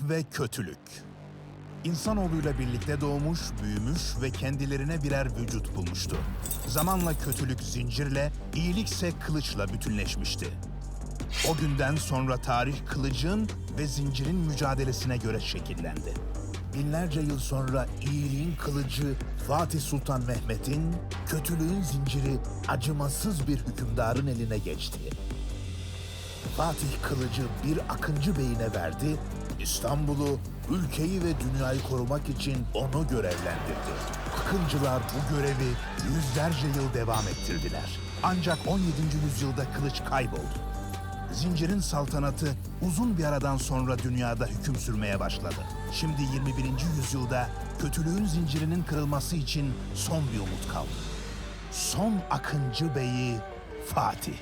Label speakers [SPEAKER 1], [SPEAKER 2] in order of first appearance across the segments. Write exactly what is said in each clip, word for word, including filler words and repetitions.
[SPEAKER 1] ve kötülük. İnsanoğluyla birlikte doğmuş, büyümüş ve kendilerine birer vücut bulmuştu. Zamanla kötülük zincirle, iyilikse kılıçla bütünleşmişti. O günden sonra tarih kılıcın ve zincirin mücadelesine göre şekillendi. Binlerce yıl sonra iyiliğin kılıcı Fatih Sultan Mehmet'in, kötülüğün zinciri acımasız bir hükümdarın eline geçti. Fatih kılıcı bir Akıncı Bey'ine verdi, İstanbul'u, ülkeyi ve dünyayı korumak için onu görevlendirdi. Akıncılar bu görevi yüzlerce yıl devam ettirdiler. Ancak on yedinci yüzyılda kılıç kayboldu. Zincirin saltanatı uzun bir aradan sonra dünyada hüküm sürmeye başladı. Şimdi yirmi birinci yüzyılda kötülüğün zincirinin kırılması için son bir umut kaldı. Son Akıncı Bey'i Fatih.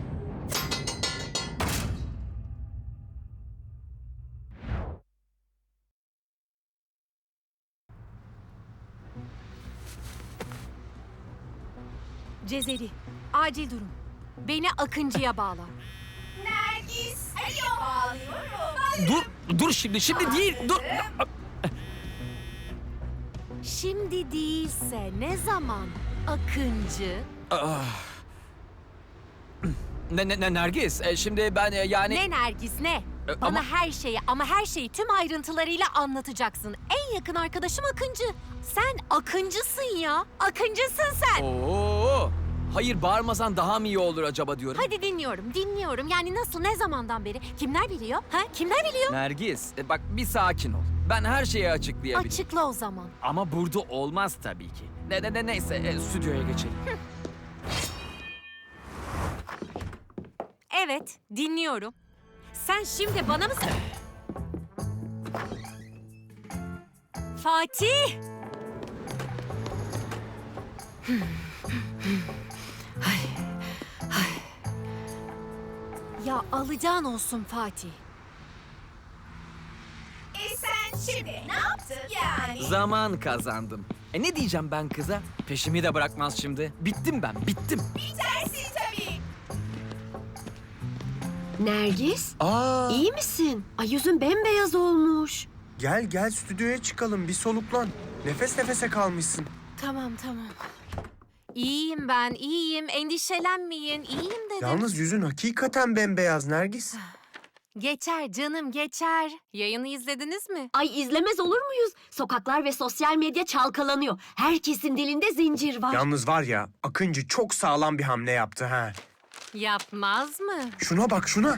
[SPEAKER 2] Cezeri, acil durum. Beni Akıncı'ya bağla.
[SPEAKER 3] Nergis, alo bağlıyorum.
[SPEAKER 4] Dur, dur şimdi, şimdi değil, dur.
[SPEAKER 2] Şimdi değilse ne zaman Akıncı?
[SPEAKER 4] Ne, ne, ne Nergis, e, şimdi ben e, yani...
[SPEAKER 2] Ne Nergis ne?
[SPEAKER 4] E,
[SPEAKER 2] Bana
[SPEAKER 4] ama-
[SPEAKER 2] her şeyi ama her şeyi tüm ayrıntılarıyla anlatacaksın. En yakın arkadaşım Akıncı. Sen Akıncısın ya. Akıncısın sen.
[SPEAKER 4] Oo, hayır bağırmasan daha mı iyi olur acaba diyorum.
[SPEAKER 2] Hadi dinliyorum, dinliyorum. Yani nasıl, ne zamandan beri? Kimler biliyor? Ha? Kimler biliyor?
[SPEAKER 4] Nergis, e, bak bir sakin ol. Ben her şeyi açıklayabilirim.
[SPEAKER 2] Açıkla o zaman.
[SPEAKER 4] Ama burada olmaz tabii ki. Ne ne ne neyse, e, stüdyoya geçelim.
[SPEAKER 2] Evet, dinliyorum. Sen şimdi bana mı... Fatih! Ay, ay. Ya alacağın olsun Fatih.
[SPEAKER 3] E sen şimdi ne yaptın yani?
[SPEAKER 4] Zaman kazandım. E ne diyeceğim ben kıza? Peşimi de bırakmaz şimdi. Bittim ben, bittim.
[SPEAKER 3] Bitersin tabii.
[SPEAKER 5] Nergis,
[SPEAKER 4] Aa.
[SPEAKER 5] iyi misin? Ay yüzün bembeyaz olmuş.
[SPEAKER 6] Gel gel stüdyoya çıkalım bir soluklan. Nefes nefese kalmışsın.
[SPEAKER 2] Tamam, tamam. İyiyim ben, iyiyim. Endişelenmeyin. İyiyim dedim.
[SPEAKER 6] Yalnız yüzün hakikaten bembeyaz Nergis.
[SPEAKER 2] Geçer canım, geçer. Yayını izlediniz mi?
[SPEAKER 5] Ay izlemez olur muyuz? Sokaklar ve sosyal medya çalkalanıyor. Herkesin dilinde zincir var.
[SPEAKER 6] Yalnız var ya Akıncı çok sağlam bir hamle yaptı ha.
[SPEAKER 2] Yapmaz mı?
[SPEAKER 6] Şuna bak şuna.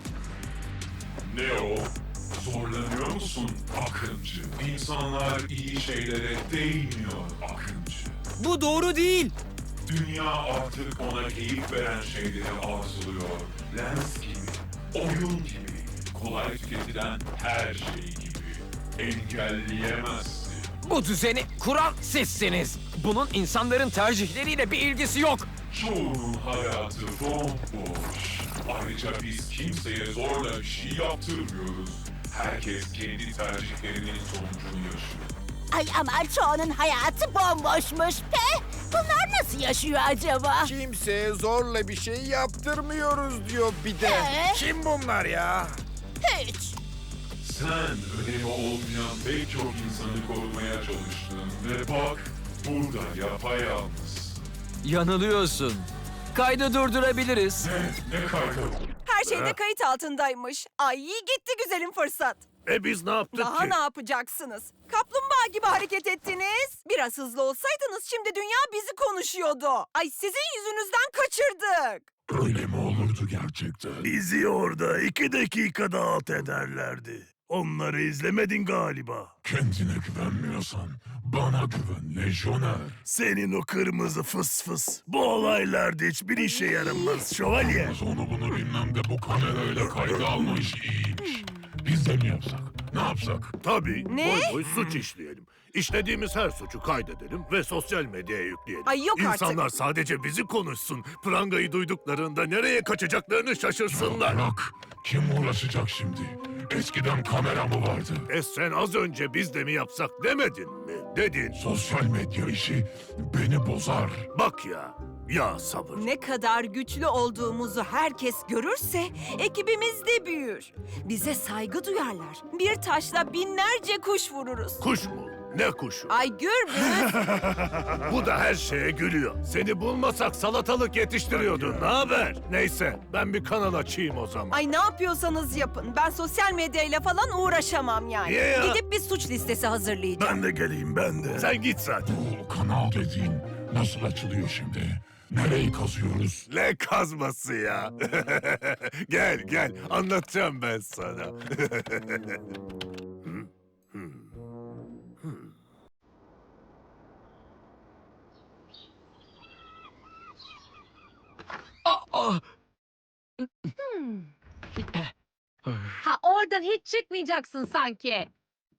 [SPEAKER 7] Ne o? Zorlanıyor musun Akıncı? İnsanlar iyi şeylere değmiyor Akıncı.
[SPEAKER 4] Bu doğru değil.
[SPEAKER 7] Dünya artık ona keyif veren şeyleri arzuluyor. Lens gibi, oyun gibi, kolay tüketilen her şey gibi. Engelleyemezsin.
[SPEAKER 4] Bu düzeni kuran sizsiniz. Bunun insanların tercihleriyle bir ilgisi yok.
[SPEAKER 7] Çoğunun hayatı bomboş. Ayrıca biz kimseye zorla bir şey yaptırmıyoruz. Herkes kendi tercihlerinin sonucunu yaşıyor.
[SPEAKER 3] Ay ama çoğunun hayatı bomboşmuş pe. Bunlar nasıl yaşıyor acaba?
[SPEAKER 8] Kimseye zorla bir şey yaptırmıyoruz diyor bir de.
[SPEAKER 3] Ee?
[SPEAKER 8] Kim bunlar ya?
[SPEAKER 3] Hiç.
[SPEAKER 7] Sen önemi olmayan pek çok insanı korumaya çalıştın ve bak burada yapayalnız.
[SPEAKER 4] Yanılıyorsun. Kaydı durdurabiliriz.
[SPEAKER 7] Ne, ne kaydı?
[SPEAKER 9] Her şeyde kayıt altındaymış. Ay gitti güzelim fırsat.
[SPEAKER 8] E biz ne yaptık
[SPEAKER 9] Daha ne yapacaksınız? Kaplumbağa gibi hareket ettiniz. Biraz hızlı olsaydınız şimdi dünya bizi konuşuyordu. Ay sizin yüzünüzden kaçırdık.
[SPEAKER 7] Öyle mi olurdu gerçekten?
[SPEAKER 8] Bizi orada iki dakikada alt ederlerdi. Onları izlemedin galiba.
[SPEAKER 7] Kendine güvenmiyorsan bana güven lejyoner.
[SPEAKER 8] Senin o kırmızı fıs fıs. Bu olaylarda hiçbir işe yaramaz şövalye.
[SPEAKER 7] Onu bunu bilmem de bu kamerayla kayda alma işi iyiymiş. Biz de mi yapsak? Ne yapsak?
[SPEAKER 8] Tabii.
[SPEAKER 9] Ne?
[SPEAKER 8] Boy boy suç işleyelim. İşlediğimiz her suçu kaydedelim ve sosyal medyaya yükleyelim.
[SPEAKER 9] Ay yok artık.
[SPEAKER 8] İnsanlar sadece bizi konuşsun. Prangayı duyduklarında nereye kaçacaklarını şaşırsınlar.
[SPEAKER 7] Bırak. Kim uğraşacak şimdi? Eskiden kamera mı vardı?
[SPEAKER 8] E sen az önce biz de mi yapsak demedin mi? Dedin.
[SPEAKER 7] Sosyal medya işi beni bozar.
[SPEAKER 8] Bak ya, Ya sabır.
[SPEAKER 9] Ne kadar güçlü olduğumuzu herkes görürse ekibimiz de büyür. Bize saygı duyarlar. Bir taşla binlerce kuş vururuz.
[SPEAKER 8] Kuş mu? Ne kuşu?
[SPEAKER 9] Ay Gürbüz,
[SPEAKER 8] Bu da her şeye gülüyor. Seni bulmasak salatalık yetiştiriyordun. Ne haber? Neyse ben bir kanal açayım o zaman.
[SPEAKER 9] ay ne yapıyorsanız yapın. Ben sosyal medyayla falan uğraşamam yani.
[SPEAKER 8] Niye ya?
[SPEAKER 9] Gidip bir suç listesi hazırlayacağım.
[SPEAKER 8] Ben de geleyim ben de. Sen git zaten.
[SPEAKER 7] Bu kanal dediğin nasıl açılıyor şimdi? Nereyi kazıyoruz?
[SPEAKER 8] Ne kazması ya? Gel gel anlatacağım ben sana.
[SPEAKER 2] Ha oradan hiç çıkmayacaksın sanki.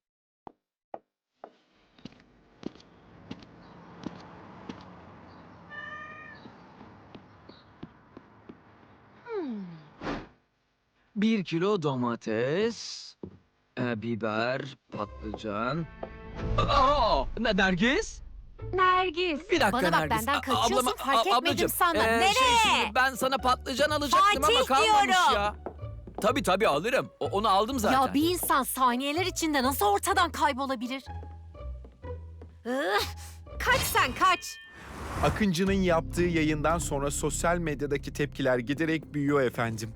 [SPEAKER 4] Bir kilo domates, e, biber, patlıcan. Aa, ne Nergis?
[SPEAKER 2] Nergis.
[SPEAKER 4] Bir dakika
[SPEAKER 2] Bana bak
[SPEAKER 4] Nergis.
[SPEAKER 2] benden
[SPEAKER 4] A-
[SPEAKER 2] kaçıyorsun
[SPEAKER 4] ablama-
[SPEAKER 2] fark
[SPEAKER 4] a-
[SPEAKER 2] etmedim
[SPEAKER 4] ablacığım,
[SPEAKER 2] sana.
[SPEAKER 4] e,
[SPEAKER 2] Nereye?
[SPEAKER 4] Şey, şimdi ben sana patlıcan alacaktım ama
[SPEAKER 2] Fatih
[SPEAKER 4] kalmamış
[SPEAKER 2] diyorum.
[SPEAKER 4] ya. Tabii tabii alırım. O- onu aldım zaten.
[SPEAKER 2] Ya bir insan saniyeler içinde nasıl ortadan kaybolabilir? Ih, kaç sen kaç.
[SPEAKER 10] Akıncı'nın yaptığı yayından sonra sosyal medyadaki tepkiler giderek büyüyor efendim.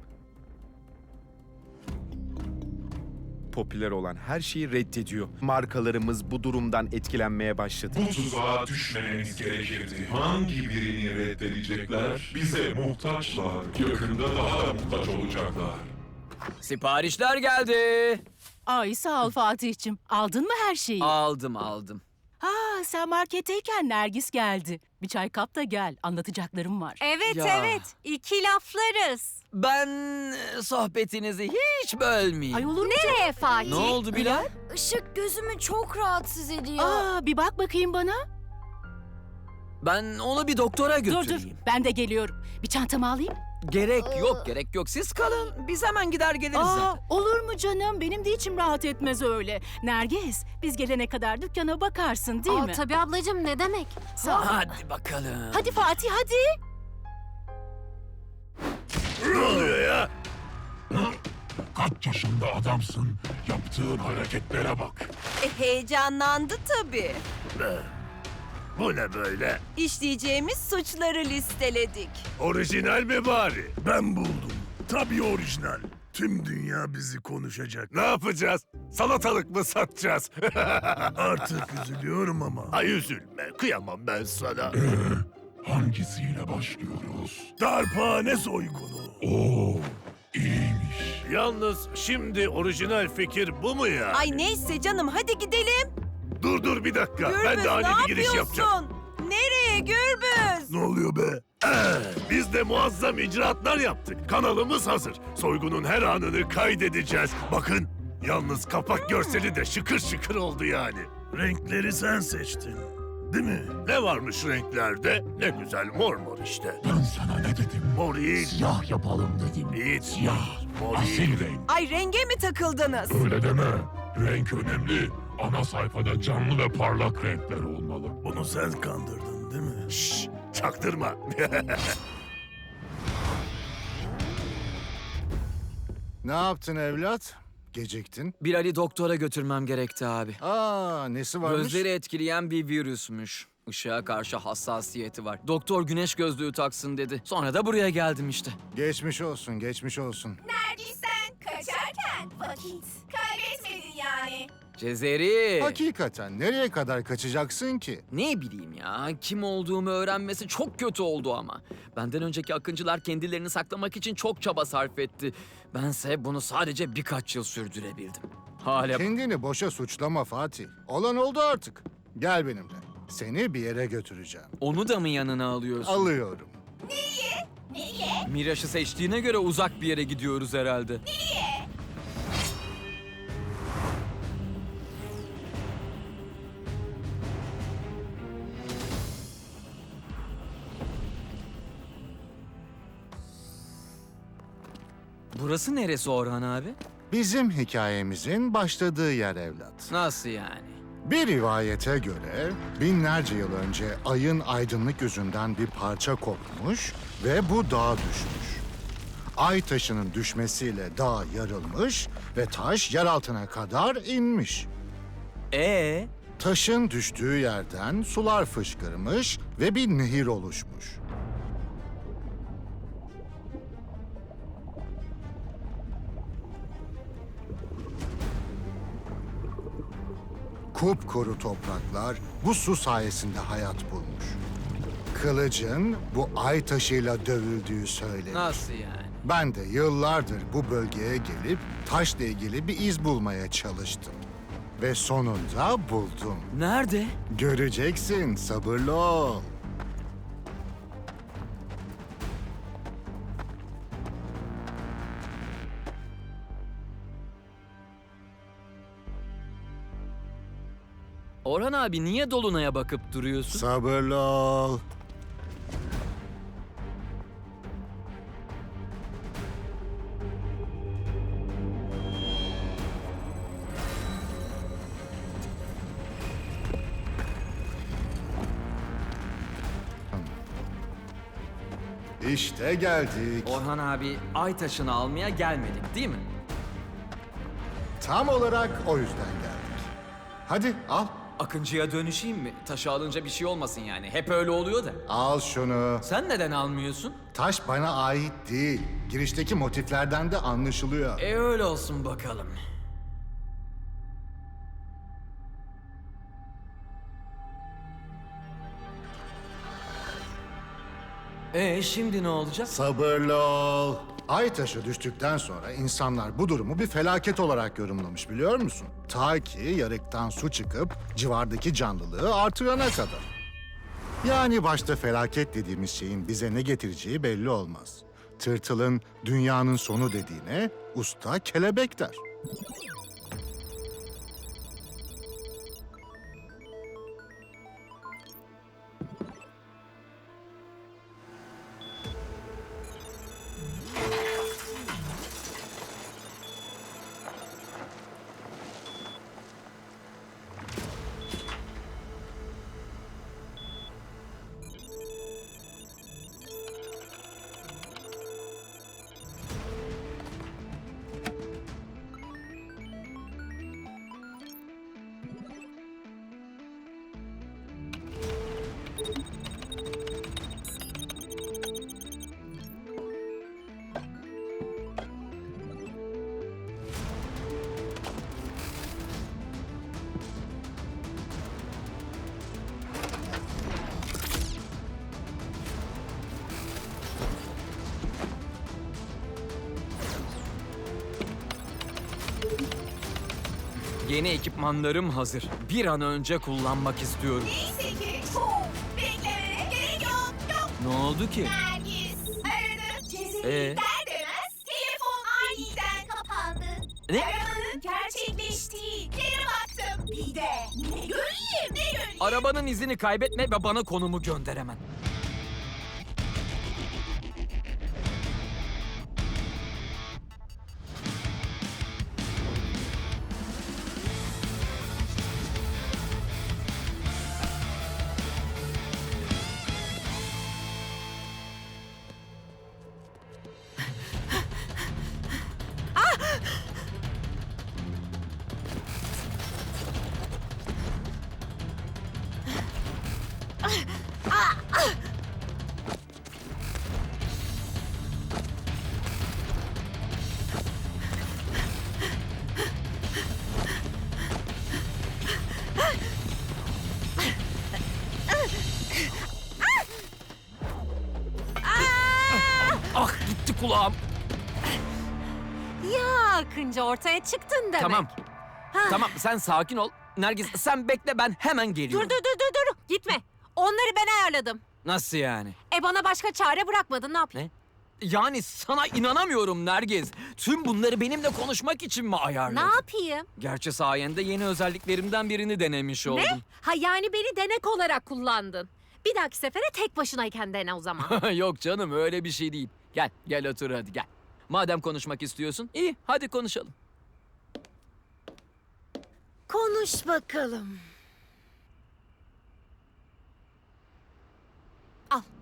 [SPEAKER 10] Popüler olan her şeyi reddediyor. Markalarımız bu durumdan etkilenmeye başladı.
[SPEAKER 7] Bu tuzağa düşmememiz gerekirdi. Hangi birini reddedecekler? Bize muhtaçlar. Yakında daha da muhtaç olacaklar.
[SPEAKER 4] Siparişler geldi.
[SPEAKER 3] Ay sağ ol Fatih'cim. Aldın mı her şeyi?
[SPEAKER 4] Aldım aldım.
[SPEAKER 3] Ha sen marketteyken Nergis geldi. Bir çay kap da gel. Anlatacaklarım var.
[SPEAKER 2] Evet
[SPEAKER 4] Ya.
[SPEAKER 2] evet. İki laflarız.
[SPEAKER 4] Ben e, sohbetinizi hiç bölmeyeyim.
[SPEAKER 3] Ay olur mu?
[SPEAKER 2] Nereye Fatih?
[SPEAKER 4] Ne oldu Bilal?
[SPEAKER 5] Işık gözümü çok rahatsız ediyor.
[SPEAKER 3] Aa bir bak bakayım bana.
[SPEAKER 4] Ben onu bir doktora
[SPEAKER 3] Dur
[SPEAKER 4] götüreyim.
[SPEAKER 3] dur ben de geliyorum. Bir çantamı alayım.
[SPEAKER 4] Gerek yok, gerek yok. Siz kalın. Biz hemen gider geliriz
[SPEAKER 3] Aa,
[SPEAKER 4] zaten.
[SPEAKER 3] olur mu canım? Benim de içim rahat etmez öyle. Nergis, biz gelene kadar dükkana bakarsın değil
[SPEAKER 2] Aa,
[SPEAKER 3] mi?
[SPEAKER 2] tabii ablacığım ne demek?
[SPEAKER 3] Sağ ol.
[SPEAKER 4] Hadi bakalım.
[SPEAKER 3] Hadi Fatih hadi.
[SPEAKER 8] Ne oluyor ya?
[SPEAKER 7] Kaç yaşında adamsın? Yaptığın hareketlere bak.
[SPEAKER 9] E, heyecanlandı tabii.
[SPEAKER 8] Bu ne böyle?
[SPEAKER 9] İşleyeceğimiz suçları listeledik.
[SPEAKER 8] Orijinal mi bari? Ben buldum. Tabii orijinal. Tüm dünya bizi konuşacak. Ne yapacağız? Salatalık mı satacağız? Artık üzülüyorum ama. Ay üzülme. Kıyamam ben sana.
[SPEAKER 7] Hangisiyle başlıyoruz?
[SPEAKER 8] Darphane soygunu.
[SPEAKER 7] Oo, iyiymiş.
[SPEAKER 8] Yalnız şimdi orijinal fikir bu mu ya?
[SPEAKER 9] Ay neyse canım hadi gidelim.
[SPEAKER 8] Dur dur bir dakika.
[SPEAKER 9] Gürbüz
[SPEAKER 8] ben de ani
[SPEAKER 9] ne
[SPEAKER 8] bir giriş
[SPEAKER 9] yapıyorsun?
[SPEAKER 8] yapacağım.
[SPEAKER 9] Nereye Gürbüz?
[SPEAKER 8] Ne oluyor be? Ee, biz de muazzam icraatlar yaptık. Kanalımız hazır. Soygunun her anını kaydedeceğiz. Bakın, yalnız kapak görseli de şıkır şıkır oldu yani. Renkleri sen seçtin, değil mi? Ne varmış renklerde? Ne güzel mor mor işte.
[SPEAKER 7] Ben sana ne dedim?
[SPEAKER 8] Mor iyi.
[SPEAKER 7] Siyah yapalım dedim.
[SPEAKER 8] Hiç.
[SPEAKER 7] Siyah.
[SPEAKER 8] Mor iyi.
[SPEAKER 7] Asil renk.
[SPEAKER 9] Ay renge mi takıldınız?
[SPEAKER 7] Öyle deme. Renk önemli. Ana sayfada canlı ve parlak renkler olmalı.
[SPEAKER 8] Bunu sen kandırdın değil mi? Şşş, çaktırma.
[SPEAKER 11] Ne yaptın evlat? Geciktin.
[SPEAKER 4] Bilal'i doktora götürmem gerekti abi.
[SPEAKER 11] Aa, nesi varmış?
[SPEAKER 4] Gözleri etkileyen bir virüsmüş. Işığa karşı hassasiyeti var. Doktor güneş gözlüğü taksın dedi. Sonra da buraya geldim işte.
[SPEAKER 11] Geçmiş olsun, geçmiş olsun.
[SPEAKER 3] Nergis sen kaçarken vakit kaybetmedin yani.
[SPEAKER 4] Cezeri.
[SPEAKER 11] Hakikaten nereye kadar kaçacaksın ki?
[SPEAKER 4] Ne bileyim ya, kim olduğumu öğrenmesi çok kötü oldu ama. Benden önceki akıncılar kendilerini saklamak için çok çaba sarf etti. Bense bunu sadece birkaç yıl sürdürebildim. Hala...
[SPEAKER 11] Kendini boşa suçlama Fatih. Olan oldu artık. Gel benimle. Seni bir yere götüreceğim.
[SPEAKER 4] Onu da mı yanına alıyorsun?
[SPEAKER 11] Alıyorum.
[SPEAKER 4] Miraş'ı seçtiğine göre uzak bir yere gidiyoruz herhalde. Burası neresi Orhan abi?
[SPEAKER 11] Bizim hikayemizin başladığı yer evlat.
[SPEAKER 4] Nasıl yani?
[SPEAKER 11] Bir rivayete göre binlerce yıl önce ayın aydınlık yüzünden bir parça kopmuş ve bu dağa düşmüş. Ay taşının düşmesiyle dağ yarılmış ve taş yer altına kadar inmiş.
[SPEAKER 4] Ee?
[SPEAKER 11] Taşın düştüğü yerden sular fışkırmış ve bir nehir oluşmuş. Kupkuru topraklar bu su sayesinde hayat bulmuş. Kılıcın bu ay taşıyla dövüldüğü söylenir.
[SPEAKER 4] Nasıl yani?
[SPEAKER 11] Ben de yıllardır bu bölgeye gelip taşla ilgili bir iz bulmaya çalıştım. Ve sonunda buldum.
[SPEAKER 4] Nerede?
[SPEAKER 11] Göreceksin, sabırlı ol.
[SPEAKER 4] Orhan abi niye Dolunay'a bakıp duruyorsun?
[SPEAKER 11] Sabırlı ol. İşte geldik.
[SPEAKER 4] Orhan abi ay taşını almaya gelmedik değil mi?
[SPEAKER 11] Tam olarak o yüzden geldik. Hadi al.
[SPEAKER 4] Akıncı'ya dönüşeyim mi? Taşı alınca bir şey olmasın yani. Hep öyle oluyor da.
[SPEAKER 11] Al şunu.
[SPEAKER 4] Sen neden almıyorsun?
[SPEAKER 11] Taş bana ait değil. Girişteki motiflerden de anlaşılıyor.
[SPEAKER 4] E öyle olsun bakalım. E şimdi ne olacak?
[SPEAKER 11] Sabırlı ol. Ay taşı düştükten sonra insanlar bu durumu bir felaket olarak yorumlamış biliyor musun? Ta ki yarıktan su çıkıp civardaki canlılığı artırana kadar. Yani başta felaket dediğimiz şeyin bize ne getireceği belli olmaz. Tırtılın dünyanın sonu dediğine usta kelebek der.
[SPEAKER 4] Yeni ekipmanlarım hazır. Bir an önce kullanmak istiyorum.
[SPEAKER 3] Neyse ki çok beklemeye gerek yok. Yok.
[SPEAKER 4] Ne oldu ki?
[SPEAKER 3] Nergis aradım. Cezeri
[SPEAKER 4] Ee?
[SPEAKER 3] der demez telefon aniden kapandı.
[SPEAKER 4] Ne?
[SPEAKER 3] Aramanın gerçekleştiği yere baktım. Bir de ne göreyim ne göreyim.
[SPEAKER 4] Arabanın izini kaybetme ve bana konumu gönder hemen. Ah gitti kulağım.
[SPEAKER 2] Ya Akıncı ortaya çıktın demek.
[SPEAKER 4] Tamam.
[SPEAKER 2] Ha.
[SPEAKER 4] Tamam sen sakin ol. Nergis sen bekle ben hemen
[SPEAKER 2] Dur
[SPEAKER 4] geliyorum.
[SPEAKER 2] dur dur dur dur. Gitme. Onları ben ayarladım.
[SPEAKER 4] Nasıl yani?
[SPEAKER 2] E bana başka çare bırakmadın ne yapayım?
[SPEAKER 4] Ne? Yani sana inanamıyorum Nergiz. Tüm bunları benimle konuşmak için mi ayarladın?
[SPEAKER 2] Ne yapayım?
[SPEAKER 4] Gerçi sayende yeni özelliklerimden birini denemiş oldum.
[SPEAKER 2] Ne? Ha yani beni denek olarak kullandın. Bir dahaki sefere tek başınayken dene o zaman.
[SPEAKER 4] Yok canım öyle bir şey değil. Gel gel otur hadi gel. Madem konuşmak istiyorsun iyi hadi konuşalım.
[SPEAKER 2] Konuş bakalım.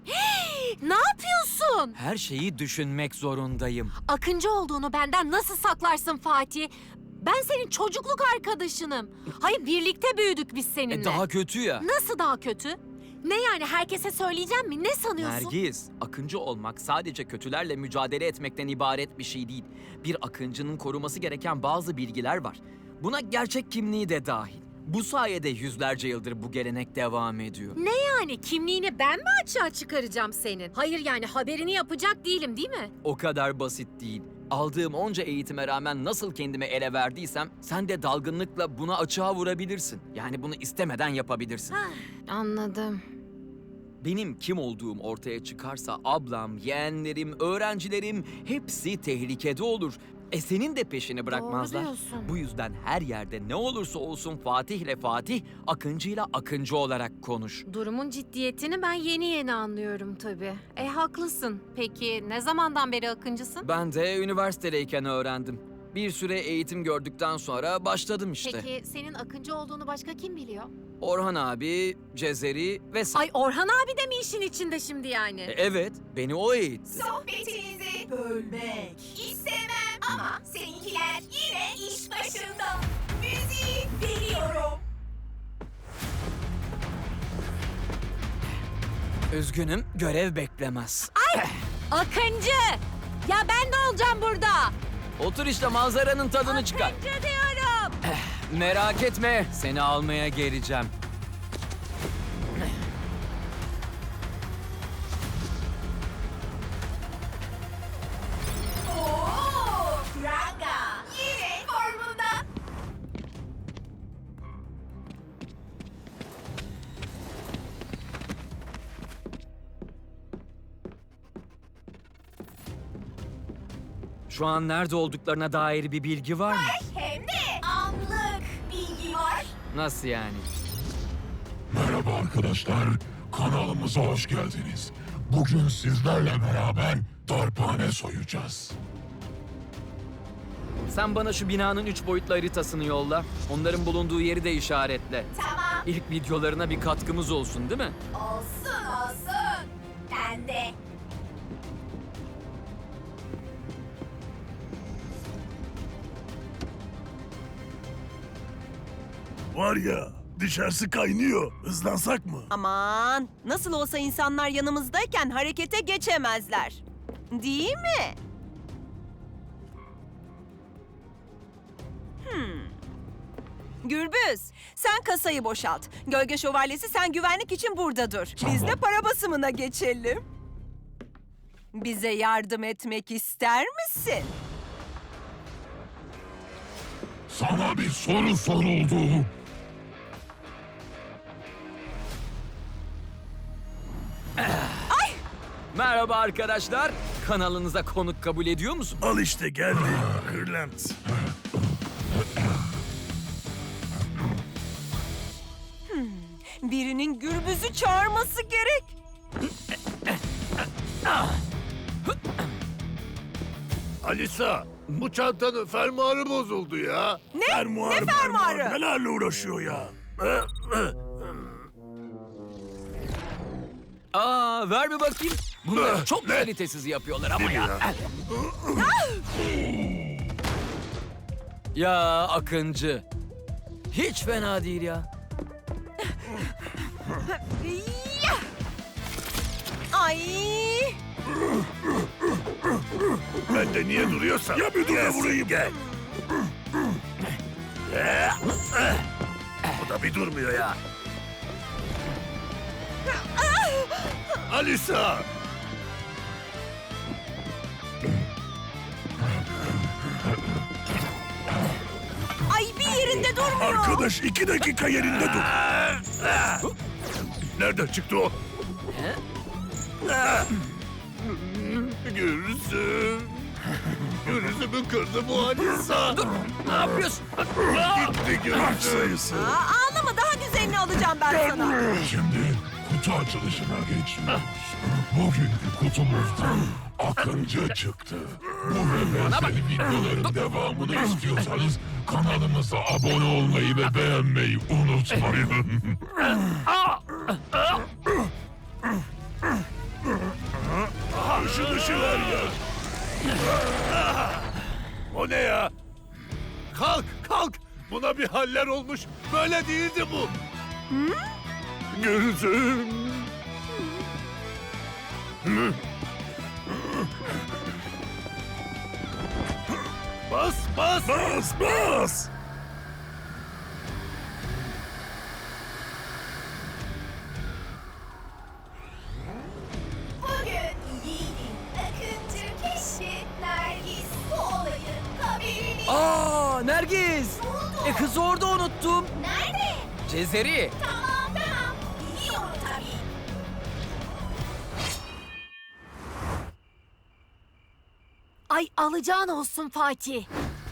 [SPEAKER 2] Ne yapıyorsun?
[SPEAKER 4] Her şeyi düşünmek zorundayım.
[SPEAKER 2] Akıncı olduğunu benden nasıl saklarsın Fatih? Ben senin çocukluk arkadaşınım. Hayır, birlikte büyüdük biz seninle.
[SPEAKER 4] E, daha kötü ya.
[SPEAKER 2] Nasıl daha kötü? Ne yani, herkese söyleyeceğim mi? Ne sanıyorsun?
[SPEAKER 4] Nergis, akıncı olmak sadece kötülerle mücadele etmekten ibaret bir şey değil. Bir akıncının koruması gereken bazı bilgiler var. Buna gerçek kimliği de dahil. Bu sayede yüzlerce yıldır bu gelenek devam ediyor.
[SPEAKER 2] Ne yani, kimliğini ben mi açığa çıkaracağım senin? Hayır yani, haberini yapacak değilim değil mi?
[SPEAKER 4] O kadar basit değil. Aldığım onca eğitime rağmen nasıl kendime ele verdiysem sen de dalgınlıkla buna açığa vurabilirsin. Yani bunu istemeden yapabilirsin.
[SPEAKER 2] Anladım.
[SPEAKER 4] Benim kim olduğum ortaya çıkarsa ablam, yeğenlerim, öğrencilerim hepsi tehlikede olur. E senin de peşini bırakmazlar.
[SPEAKER 2] Doğru diyorsun.
[SPEAKER 4] Bu yüzden her yerde ne olursa olsun Fatih ile Fatih, Akıncı'yla Akıncı olarak konuş.
[SPEAKER 2] Durumun ciddiyetini ben yeni yeni anlıyorum tabii. E haklısın. Peki ne zamandan beri akıncısın?
[SPEAKER 4] Ben de üniversitedeyken öğrendim. Bir süre eğitim gördükten sonra başladım işte.
[SPEAKER 2] Peki senin akıncı olduğunu başka kim biliyor?
[SPEAKER 4] Orhan abi, Cezeri ve sen.
[SPEAKER 2] Ay, Orhan abi de mi işin içinde şimdi yani?
[SPEAKER 4] E, evet, beni o eğitti.
[SPEAKER 3] Sohbetinizi bölmek istemem ama seninkiler yine iş başında. Müziği veriyorum.
[SPEAKER 4] Üzgünüm, görev beklemez.
[SPEAKER 2] Akıncı! Ya ben ne olacağım burada?
[SPEAKER 4] Otur işte, manzaranın tadını çıkar.
[SPEAKER 2] Akıncı diyorum.
[SPEAKER 4] Merak etme, seni almaya geleceğim.
[SPEAKER 3] Oo, Ranga yine formunda.
[SPEAKER 4] Şu an nerede olduklarına dair bir bilgi var mı?
[SPEAKER 3] Hem de anlık bilgi var.
[SPEAKER 4] Nasıl yani?
[SPEAKER 7] Merhaba arkadaşlar, kanalımıza hoş geldiniz. Bugün sizlerle beraber darphane soyacağız.
[SPEAKER 4] Sen bana şu binanın üç boyutlu haritasını yolla. Onların bulunduğu yeri de işaretle.
[SPEAKER 3] Tamam.
[SPEAKER 4] İlk videolarına bir katkımız olsun, değil mi?
[SPEAKER 3] Olsun olsun. Ben de.
[SPEAKER 8] Var ya, dışarısı kaynıyor. Hızlansak mı?
[SPEAKER 9] Aman, nasıl olsa insanlar yanımızdayken harekete geçemezler. Değil mi? Hmm. Gürbüz, sen kasayı boşalt. Gölge Şövalyesi, sen güvenlik için burada dur. Biz de para basımına geçelim. Bize yardım etmek ister misin?
[SPEAKER 7] Sana bir soru soruldu.
[SPEAKER 4] Merhaba arkadaşlar. Kanalınıza konuk kabul ediyor musun?
[SPEAKER 8] Al işte geldi. Kırlent.
[SPEAKER 9] Birinin Gürbüz'ü çağırması gerek.
[SPEAKER 8] Alisa, bu çantanın fermuarı bozuldu ya.
[SPEAKER 9] Ne?
[SPEAKER 8] Fermuar,
[SPEAKER 9] Ne fermuarı?
[SPEAKER 8] fermuar, Nelerle uğraşıyor ya?
[SPEAKER 4] Aa, ver bir bakayım. Bunları
[SPEAKER 8] Ah,
[SPEAKER 4] çok
[SPEAKER 8] ne?
[SPEAKER 4] kalitesiz yapıyorlar ama
[SPEAKER 8] Değil mi
[SPEAKER 4] ya. Ya Akıncı. Hiç fena değil ya.
[SPEAKER 9] Yah! Ay!
[SPEAKER 8] Ben de niye duruyorsam. Ya bir dur da vurayım. Gel. Bu da bir durmuyor ya. Alisa!
[SPEAKER 9] Ay, bir yerinde durmuyor.
[SPEAKER 8] Arkadaş iki dakika yerinde dur. Nereden çıktı o? Gürsüm. Gürsüm'ü kırdı bu Alisa.
[SPEAKER 4] Dur, ne yapıyorsun?
[SPEAKER 8] Gitti Gürsüm.
[SPEAKER 9] Aa, ağlama, daha güzelini alacağım ben sana.
[SPEAKER 7] Şimdi kutu açılışına geçiyoruz. Bugünkü kutumuzdan Akıncı çıktı. Bu ve benzeri videoların devamını istiyorsanız kanalımıza abone olmayı ve beğenmeyi unutmayın.
[SPEAKER 8] şunu şıver ya. O ne ya? Kalk, kalk. Buna bir haller olmuş. Böyle değildi bu. Gözüm. Bas, bas. Bas, bas.
[SPEAKER 3] Bugün yiğidin akıncı keşfi Nergis bu olayın haberini...
[SPEAKER 4] Aa, Nergis! E kızı orada unuttum.
[SPEAKER 3] Nerede?
[SPEAKER 4] Cezeri.
[SPEAKER 3] Tamam tamam. Biliyorum tabii.
[SPEAKER 2] Ay alacağın olsun Fatih.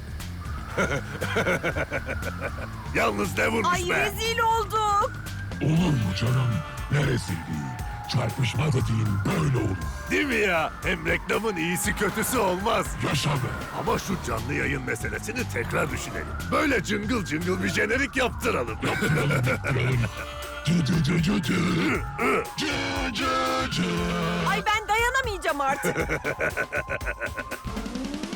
[SPEAKER 8] Yalnız ne vurmuş
[SPEAKER 9] Ay
[SPEAKER 8] be?
[SPEAKER 9] rezil olduk.
[SPEAKER 7] Olur mu canım? Neresi değil? Çarpışma dediğin böyle olur.
[SPEAKER 8] Değil mi ya? Hem reklamın iyisi kötüsü olmaz.
[SPEAKER 7] Yaşa be.
[SPEAKER 8] Ama şu canlı yayın meselesini tekrar düşünelim. Böyle cıngıl cıngıl bir jenerik yaptıralım.
[SPEAKER 7] Cı cı cı cı cı. Cı cı cı.
[SPEAKER 9] Ay ben dayanamayacağım artık.